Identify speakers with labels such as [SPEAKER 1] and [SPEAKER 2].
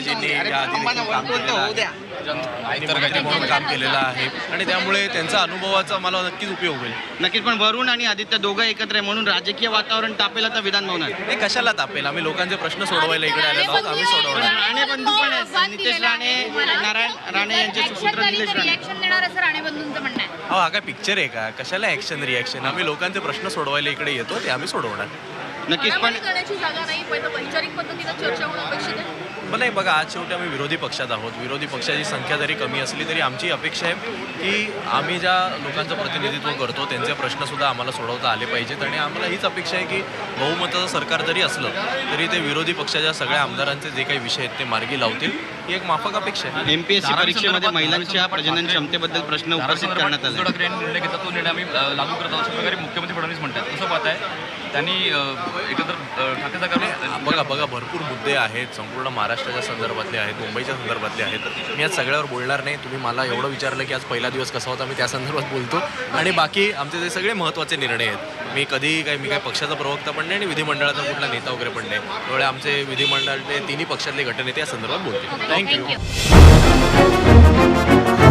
[SPEAKER 1] दादाजींनी या आधी देखील काम केलेलं आहे, आणि मंत्री म्हणून काम केलेलं आहे, आणि त्यामुळे त्यांचा अनुभवाचा मला नक्कीच उपयोग होईल.
[SPEAKER 2] नक्कीच. पण वरुण आणि आदित्य दोघं एकत्र आहे म्हणून राजकीय वातावरण तापेल आता विधान भवनात.
[SPEAKER 1] हे कशाला तापेल? आम्ही लोकांचे प्रश्न सोडवायला इकडे आलेलो आहोत, आम्ही सोडवणार.
[SPEAKER 2] राणे बंधू पण आहेत, नितेश राणे, नारायण राणे यांचे सुपुत्र निलेश राणे.
[SPEAKER 3] रिॲक्शन देणार असं राणे बंधूंचं म्हणणं आहे.
[SPEAKER 1] अहो, हा काय पिक्चर आहे का? कशाला ॲक्शन रिॲक्शन? आम्ही लोकांचे प्रश्न सोडवायला इकडे येतो, ते आम्ही सोडवणार.
[SPEAKER 2] नक्कीच. पण
[SPEAKER 3] मारामारी करण्याची जागा नाही, पण वैचारिक पद्धतीनं चर्चा होणं अपेक्षित आहे.
[SPEAKER 1] पण नाही बघा, आज शेवटी आम्ही विरोधी पक्षात आहोत. विरोधी पक्षाची संख्या जरी कमी असली तरी आमची अपेक्षा आहे की आम्ही ज्या लोकांचं प्रतिनिधित्व करतो त्यांचे प्रश्नसुद्धा आम्हाला सोडवता आले पाहिजेत, आणि आम्हाला हीच अपेक्षा आहे की बहुमताचं सरकार जरी असलं तरी ते विरोधी पक्षाच्या सगळ्या आमदारांचे जे काही विषय आहेत ते मार्गी लावतील, ही एक माफक अपेक्षा आहे.
[SPEAKER 2] एमपीएससी परीक्षेमध्ये महिलांच्या प्रजनन क्षमतेबद्दल प्रश्न उपस्थित करण्यात आले.
[SPEAKER 4] उद्धव ठाकरे यांनी निर्णय घेतला, तो निर्णय आम्ही लागू करत आहोत अशा प्रकारे मुख्यमंत्री फडणवीस म्हणतात. कसं पाहताय? त्यांनी एकंदर ठाकरे सरकारने
[SPEAKER 1] बघा भरपूर मुद्दे आहेत, संपूर्ण महाराष्ट्राच्या संदर्भातले आहेत, मुंबईच्या संदर्भातले आहेत. मी आज सगळ्यावर बोलणार नाही. तुम्ही मला एवढं विचारलं की आज पहिला दिवस कसा होता, मी त्या संदर्भात बोलतो, आणि बाकी आमचे जे सगळे महत्त्वाचे निर्णय आहेत, मी काय पक्षाचा प्रवक्ता पण नाही आणि विधिमंडळाचा कुठला नेता वगैरे पण नाही, त्यामुळे आमचे विधिमंडळातले तिन्ही पक्षातले गटनेते या संदर्भात बोलतील. थँक्यू.